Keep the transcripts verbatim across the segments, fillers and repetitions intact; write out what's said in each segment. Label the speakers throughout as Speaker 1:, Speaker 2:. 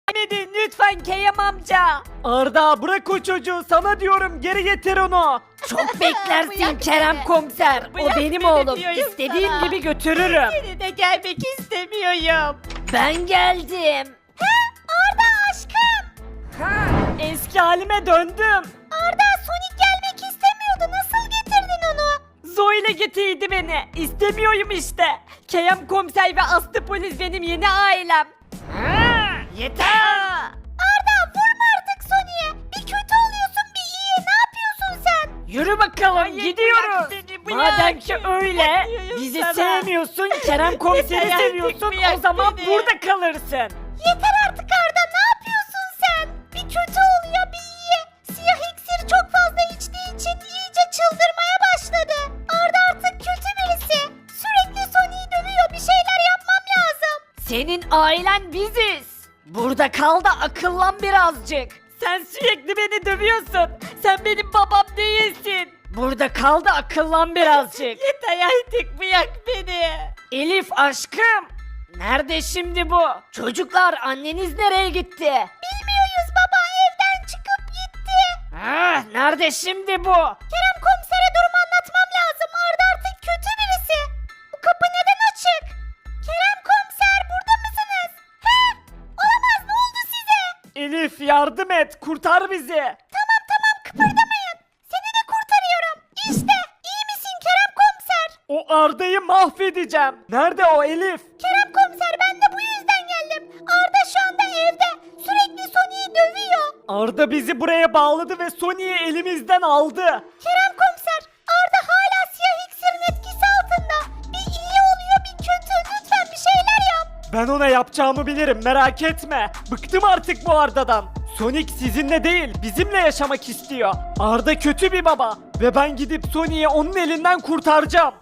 Speaker 1: Edin lütfen Keyam amca. Arda bırak o çocuğu, sana diyorum, geri getir onu. Çok beklersin
Speaker 2: Bırak
Speaker 1: Kerem
Speaker 2: beni.
Speaker 1: komiser.
Speaker 2: Bırak
Speaker 1: o benim
Speaker 2: beni
Speaker 1: oğlum.
Speaker 2: diyorum
Speaker 1: İstediğim
Speaker 2: sana.
Speaker 1: gibi götürürüm.
Speaker 2: Seni de gelmek istemiyorum.
Speaker 1: Ben geldim.
Speaker 2: Arda aşkım.
Speaker 1: Ha, eski halime döndüm.
Speaker 2: Arda Sonic gelmek istemiyordu. Nasıl getirdin onu?
Speaker 1: Zoe ile getirdi beni. İstemiyorum işte. Keyam komiser ve Aslı polis benim yeni ailem. Ha, yeter.
Speaker 2: Arda vurma artık Sonic'e. Bir kötü oluyorsun bir iyi. Ne yapıyorsun sen?
Speaker 1: Yürü bakalım,
Speaker 2: Hayır,
Speaker 1: gidiyoruz.
Speaker 2: bırak beni, bırak.
Speaker 1: Madem ki öyle,
Speaker 2: Diyorum
Speaker 1: bizi
Speaker 2: sana.
Speaker 1: sevmiyorsun, Kerem komiseri
Speaker 2: Yeter artık,
Speaker 1: seviyorsun,
Speaker 2: bırak
Speaker 1: o zaman
Speaker 2: beni.
Speaker 1: burada kalırsın.
Speaker 2: Yeter artık Arda. Ne yapıyorsun sen? Bir kötü oluyor bir iyi. Siyah iksir çok fazla içtiği için iyice çıldırmaya başladı. Arda artık kötü birisi. Sürekli Sonic'i dövüyor. Bir şeyler yapmam lazım.
Speaker 1: Senin ailen biziz. Burada kal da akıllan birazcık. Sen sürekli beni dövüyorsun. Sen benim babam değilsin. Burada kal da akıllan birazcık.
Speaker 2: Yeter artık bırak beni.
Speaker 1: Elif aşkım. Nerede şimdi bu? Çocuklar, anneniz nereye gitti?
Speaker 2: Bilmiyoruz baba, evden çıkıp gitti.
Speaker 1: Ah, nerede şimdi bu?
Speaker 2: Kerem komisere durumu anlatmam lazım. Arda artık kötü birisi. Bu kapı neden açık? Kerem komiser burada mısınız? He? Olamaz, ne oldu size?
Speaker 1: Elif yardım et, kurtar bizi.
Speaker 2: Tamam tamam kıpırdamayın. Seni de kurtarıyorum. İşte iyi misin Kerem komiser?
Speaker 1: O Arda'yı mahvedeceğim. Nerede o Elif?
Speaker 2: Kerem komiser ben de bu yüzden geldim. Arda şu anda evde. Sürekli Sonic'i dövüyor.
Speaker 1: Arda bizi buraya bağladı ve Sony'yi elimizden aldı.
Speaker 2: Kerem komiser, Arda hala siyah iksirin etkisi altında. Bir iyi oluyor bir kötü. Lütfen bir şeyler yap.
Speaker 1: Ben ona yapacağımı bilirim, merak etme. Bıktım artık bu Arda'dan. Sonic sizinle değil, bizimle yaşamak istiyor. Arda kötü bir baba ve ben gidip Sonic'i onun elinden kurtaracağım.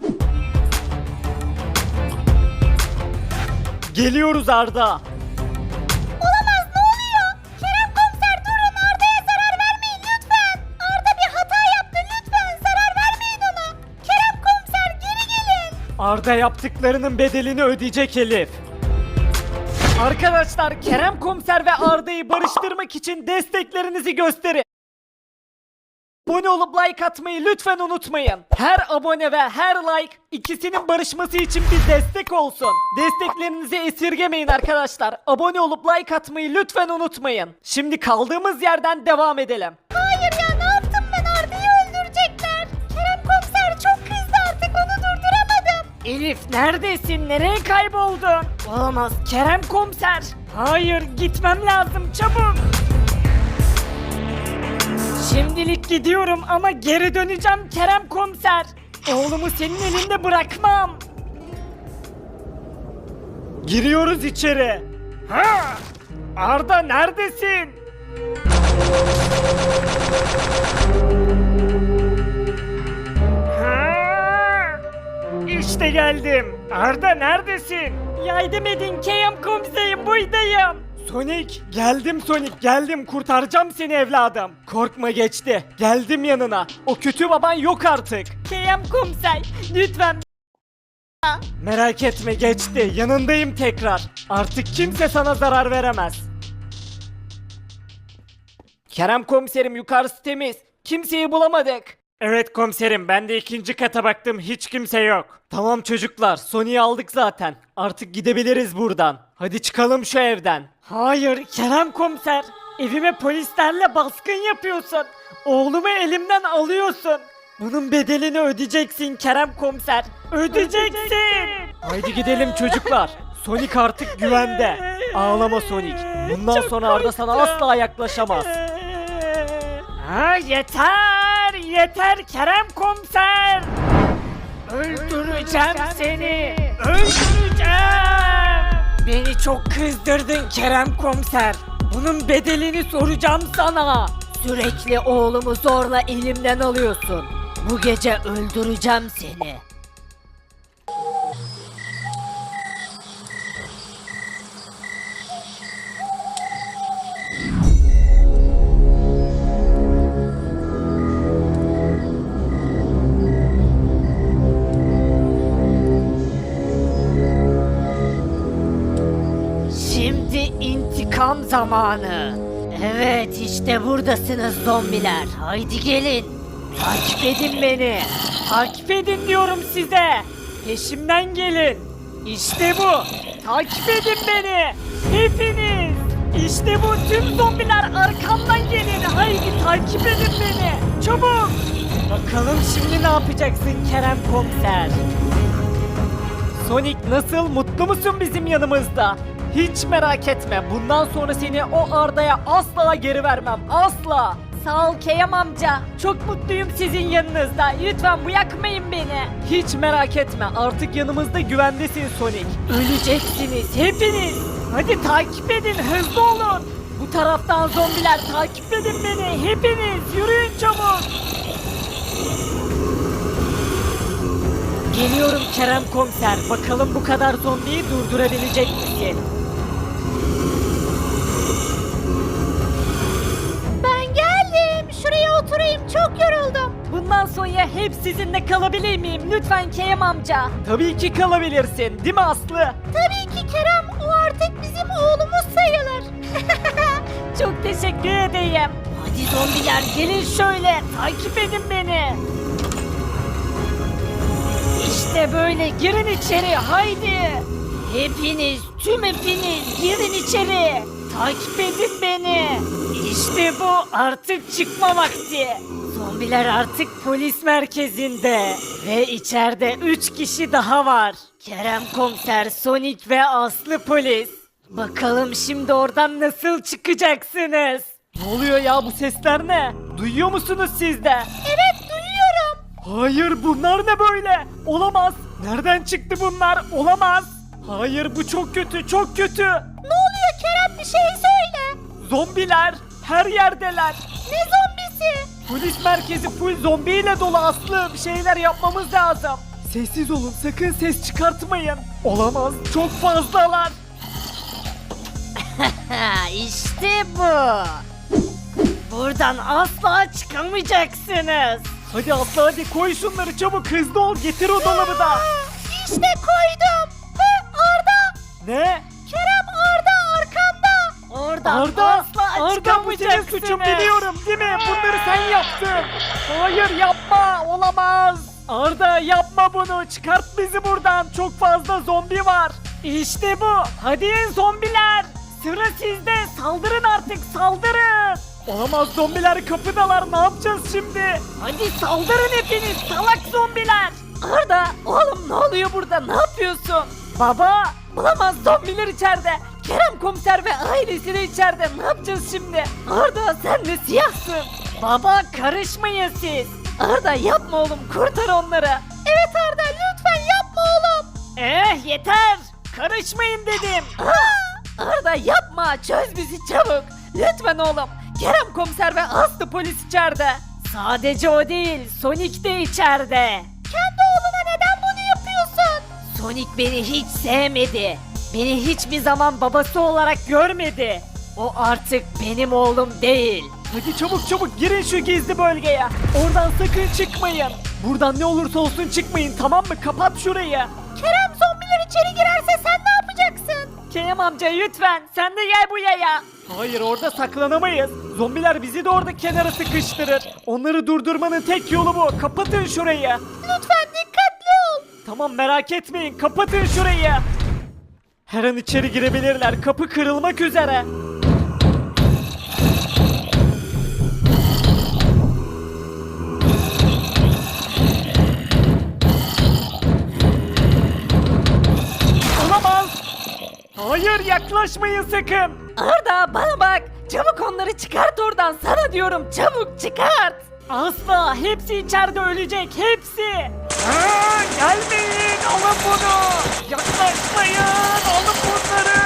Speaker 1: Geliyoruz Arda.
Speaker 2: Olamaz, ne oluyor? Kerem komiser durun, Arda'ya zarar vermeyin lütfen. Arda bir hata yaptı, lütfen zarar vermeyin ona. Kerem komiser geri gelin.
Speaker 1: Arda yaptıklarının bedelini ödeyecek Elif. Arkadaşlar, Kerem komiser ve Arda'yı barıştırmak için desteklerinizi gösterin. Abone olup like atmayı lütfen unutmayın. Her abone ve her like ikisinin barışması için bir destek olsun. Desteklerinizi esirgemeyin arkadaşlar. Abone olup like atmayı lütfen unutmayın. Şimdi kaldığımız yerden devam edelim.
Speaker 2: Hayır ya, ne yaptım ben? Arda'yı öldürecekler. Kerem komiser çok kızdı, artık onu durduramadım.
Speaker 1: Elif neredesin? Nereye kayboldun? Olamaz, Kerem komiser. Hayır, gitmem lazım, çabuk. Şimdilik gidiyorum ama geri döneceğim Kerem komiser. Oğlumu senin elinde bırakmam. Giriyoruz içeri. Ha! Arda neredesin? Ha! İşte geldim. Arda neredesin? Yardım edin Kerem komiserim, buradayım. Sonic, geldim Sonic, geldim, kurtaracağım seni evladım. Korkma, geçti. Geldim yanına. O kötü baban yok artık. Kerem komiser, lütfen. Merak etme, geçti. Yanındayım tekrar. Artık kimse sana zarar veremez. Kerem komiserim, yukarısı temiz. Kimseyi bulamadık. Evet komiserim, ben de ikinci kata baktım, hiç kimse yok. Tamam çocuklar, Sony'yi aldık zaten. Artık gidebiliriz buradan. Hadi çıkalım şu evden. Hayır Kerem komiser, evime polislerle baskın yapıyorsun. Oğlumu elimden alıyorsun. Bunun bedelini ödeyeceksin Kerem komiser. Ödeyeceksin. Haydi gidelim çocuklar. Sonic artık güvende. Ağlama Sonic. Bundan sonra Arda sana asla yaklaşamaz. Ha, yeter, yeter Kerem komiser. Öldüreceğim seni. Öldüreceğim. Beni çok kızdırdın Kerem komiser. Bunun bedelini soracağım sana. Sürekli oğlumu zorla elimden alıyorsun. Bu gece öldüreceğim seni. Şimdi intikam
Speaker 3: zamanı. Evet, işte buradasınız zombiler. Haydi gelin. Takip edin beni.
Speaker 1: Takip edin diyorum size. Peşimden gelin. İşte bu. Takip edin beni. Hepiniz. İşte bu, tüm zombiler arkamdan gelin. Haydi takip edin beni. Çabuk. Bakalım şimdi ne yapacaksın Kerem Komiser? Sonic, nasıl, mutlu musun bizim yanımızda? Hiç merak etme. Bundan sonra seni o Arda'ya asla geri vermem. Asla. Sağ ol Kerem amca. Çok mutluyum sizin yanınızda. Lütfen bırakmayın beni. Hiç merak etme. Artık yanımızda güvendesin Sonic. Öleceksiniz hepiniz. Hadi takip edin. Hızlı olun. Bu taraftan zombiler, takip edin beni. Hepiniz yürüyün çabuk. Geliyorum Kerem Komiser. Bakalım bu kadar zombiyi durdurabilecek misin?
Speaker 2: Ben geldim. Şuraya oturayım. Çok yoruldum.
Speaker 1: Bundan sonra hep sizinle kalabilir miyim? Lütfen Kerem amca. Tabii ki kalabilirsin. Değil mi Aslı?
Speaker 2: Tabii ki Kerem. O artık bizim oğlumuz sayılır.
Speaker 1: Çok teşekkür edeyim. Hadi zombiler gelin şöyle. Takip edin beni. İşte böyle, girin içeri haydi. Hepiniz, tüm hepiniz girin içeri. Takip edin beni. İşte bu, artık çıkma vakti. Zombiler artık polis merkezinde. Ve içeride üç kişi daha var. Kerem Komiser, Sonic ve Aslı polis. Bakalım şimdi oradan nasıl çıkacaksınız? Ne oluyor ya, bu sesler ne? Duyuyor musunuz siz de?
Speaker 2: Evet, duyuyorum.
Speaker 1: Hayır, bunlar ne böyle? Olamaz. Nereden çıktı bunlar? Olamaz. Hayır, bu çok kötü, çok kötü.
Speaker 2: Ne oluyor Kerem? Bir şey söyle.
Speaker 1: Zombiler her yerdeler.
Speaker 2: Ne zombisi?
Speaker 1: Polis merkezi full zombiyle dolu Aslı. Bir şeyler yapmamız lazım. Sessiz olun, sakın ses çıkartmayın. Olamaz, çok fazlalar.
Speaker 3: Ha, işte bu. Buradan asla çıkamayacaksınız.
Speaker 1: Hadi Aslı, hadi koy şunları çabuk, hızlı ol, getir o dolabı da.
Speaker 2: İşte koydum. Hı, Arda.
Speaker 1: Ne?
Speaker 2: Kerem, Arda arkanda.
Speaker 3: Oradan
Speaker 1: Arda,
Speaker 3: asla
Speaker 1: Arda bu senin
Speaker 3: çıkamayacaksınız.
Speaker 1: suçun, biliyorum değil mi? Bunları sen yaptın. Hayır, yapma, olamaz. Arda, yapma bunu, çıkart bizi buradan, çok fazla zombi var. İşte bu, hadi zombiler. Sıra sizde, saldırın artık, saldırın. Olamaz, zombiler kapıdalar, ne yapacağız şimdi? Hadi saldırın hepiniz, salak zombiler. Arda, oğlum ne oluyor burada, ne yapıyorsun? Baba, olamaz, zombiler içeride. Kerem Komiser ve ailesi de içeride, ne yapacağız şimdi? Arda, sen de siyahsın. Baba, karışmayın siz. Arda, yapma oğlum, kurtar onları.
Speaker 2: Evet Arda, lütfen yapma oğlum.
Speaker 1: Eh, yeter, karışmayın dedim. Aa, Arda, yapma, çöz bizi çabuk. Lütfen oğlum. Kerem Komiser ve Aslı polis içeride. Sadece o değil, Sonic de içeride.
Speaker 2: Kendi oğluna neden bunu yapıyorsun?
Speaker 1: Sonic beni hiç sevmedi. Beni hiçbir zaman babası olarak görmedi. O artık benim oğlum değil. Hadi çabuk çabuk girin şu gizli bölgeye. Oradan sakın çıkmayın. Buradan ne olursa olsun çıkmayın, tamam mı? Kapat şurayı.
Speaker 2: Kerem, zombiler içeri girerse sen ne yapacaksın?
Speaker 1: Kerem amca lütfen sen de gel buraya. Hayır, orada saklanamayız. Zombiler bizi de orada kenara sıkıştırır. Onları durdurmanın tek yolu bu. Kapatın şurayı.
Speaker 2: Lütfen dikkatli ol.
Speaker 1: Tamam, merak etmeyin, kapatın şurayı. Her an içeri girebilirler. Kapı kırılmak üzere. Olamaz. Hayır, yaklaşmayın sakın. Arda, bana bak. Çabuk onları çıkart oradan. Sana diyorum, çabuk çıkart. Asla, hepsi içeride ölecek, hepsi. Aa, gelmeyin, alın bunu. Yaklaşmayın, alın bunları.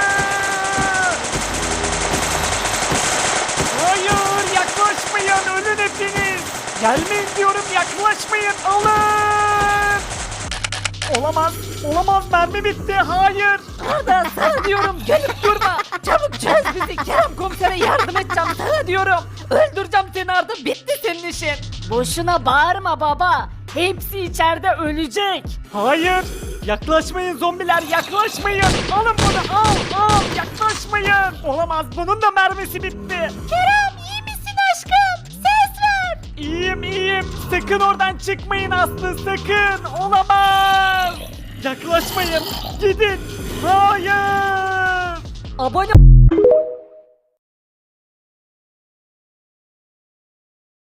Speaker 1: Hayır, yaklaşmayın, ölün hepiniz. Gelmeyin diyorum, yaklaşmayın, alın. Olamaz, olamaz, mermi bitti, hayır. Arda, sana diyorum, gelip durma. Çabuk çöz bizi, Kerem Komiser'e yardım edeceğim, sana diyorum. Öldüreceğim seni Arda, bitti senin işin. Boşuna bağırma baba, hepsi içeride ölecek. Hayır, Yaklaşmayın zombiler, yaklaşmayın. Alın bunu, al al, yaklaşmayın. Olamaz, bunun da mermisi bitti.
Speaker 2: Kerem iyi misin aşkım? Ses ver.
Speaker 1: İyiyim iyiyim. Sakın oradan çıkmayın Aslı, sakın. Olamaz. Yaklaşmayın. Gidin. Hayır. Abone